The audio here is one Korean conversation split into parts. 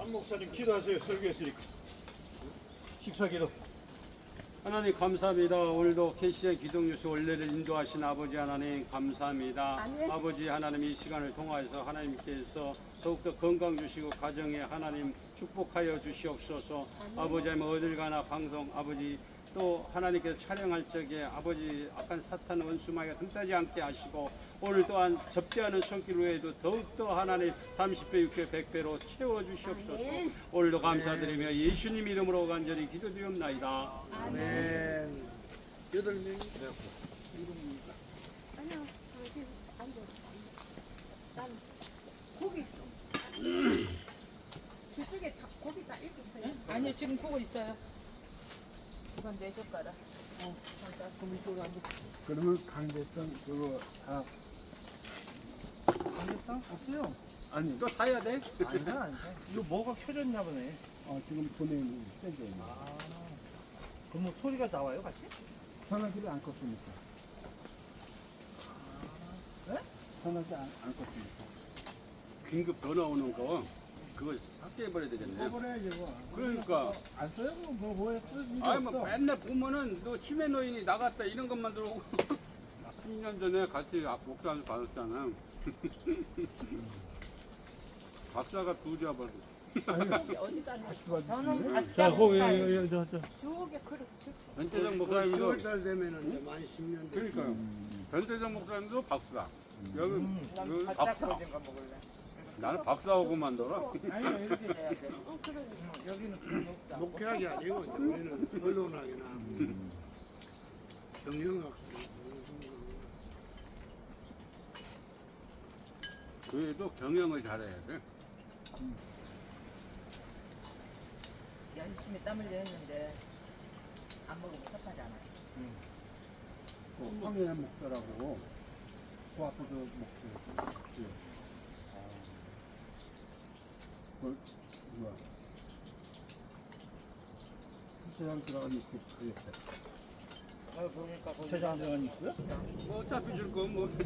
한 목사님 기도하세요. 설교했으니까. 식사기도. 하나님 감사합니다. 오늘도 KC의 기독뉴스 원래를 인도하신 아버지 하나님 감사합니다. 아멘. 아버지 하나님 이 시간을 통하여서 하나님께서 더욱더 건강 주시고 가정에 하나님 축복하여 주시옵소서. 아버지 하나님 어딜 가나 방송 아버지 또 하나님께서 촬영할 적에 아버지 악한 사탄 원수마귀가 틈타지 않게 하시고 오늘 또한 접대하는 손길 외에도 더욱더 하나님 30배, 6배, 100배로 채워주시옵소서. 아멘. 오늘도 감사드리며 예수님 이름으로 간절히 기도드리옵나이다. 아멘. 8명이 아니요, 저기 앉아. 난 고기 좀. 저쪽에 다 고기 다 익었어요. 아니요, 지금 보고 있어요. 이건 내 젓가락. 그러면 강대성 그거 다 삼계탕 없어요. 아니 또 사야 돼? 아니다. 이거 뭐가 켜졌나 보네. 지금 보내는 세죠. 그럼 뭐 소리가 나와요, 같이? 전화기를 안 껐으니까. 네? 전화기 안 껐으니까. 긴급 전화 오는 거 그거 삭제해버려야 되겠네. 꺼버려야지 뭐. 그러니까 안 써요? 뭐에 쓰는 게 아니 뭐 없어. 맨날 보면은 너 치매 노인이 나갔다 이런 것만 들어오고 10년 전에 같이 목사를 받았잖아. 박사가 두 잡아서 어디다 놔? 저는 자, 각자 거기 먹어요. 저게 그릇 변태정 목사님도 10월 되면은 이제 많이 10년 돼. 그러니까요. 변태정 목사님도 박사. 여기 난 박사. 각자 거진 거 먹을래. 나는 박사하고 만들어. 아니요, 이렇게 돼야 돼. 그러니까. 여기는 그런 거 없다. 목회학이 아니고 이제 우리는 언론학이나 경영학. 그래도 경영을 잘해야 돼. 열심히 땀 흘려 했는데 안 먹으면 섭하잖아. 그 황해 목사라고 그 앞에서 목사. 그 뭐야? 세상 들어가니 그 옆에. 그러니까 거기 세장 들어가니 있고요? 뭐 어차피 줄 거 뭐.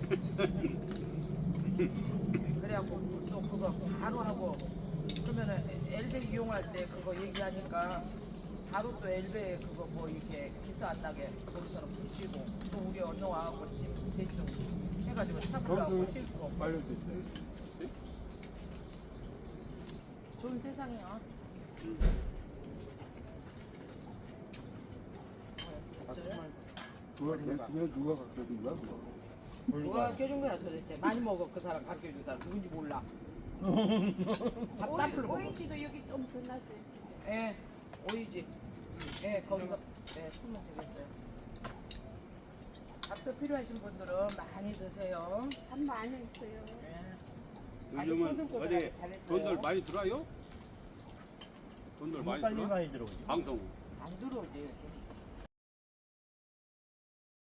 그래갖고 또 그거 바로 하고 그러면은 엘베 이용할 때 그거 얘기하니까 바로 또 엘베 그거 뭐 이렇게 기사 안 나게 거기서는 붙이고 또 우리 언어 와갖고 지금 대충 해가지고 참고하고 싣고 빨려졌어요. 좋은 세상이야. 그거 누가 갖다 준 거야? 그거? 누가 가르쳐준 거야 도대체? 많이 먹어 그 사람 가르쳐준 사람 누군지 몰라. 밥 따풀로 먹어. 오인 씨도 여기 좀 더 나지. 예, 오이지. 예, 거기서 예, 술먹 되겠어요. 밥도 필요하신 분들은 많이 드세요. 밥 많이 있어요. 예. 요즘은 아주 어디 잘했어요. 돈들 많이 들어요? 돈들 많이 빨리 들어? 많이 들어오죠. 방송. 안 들어오지.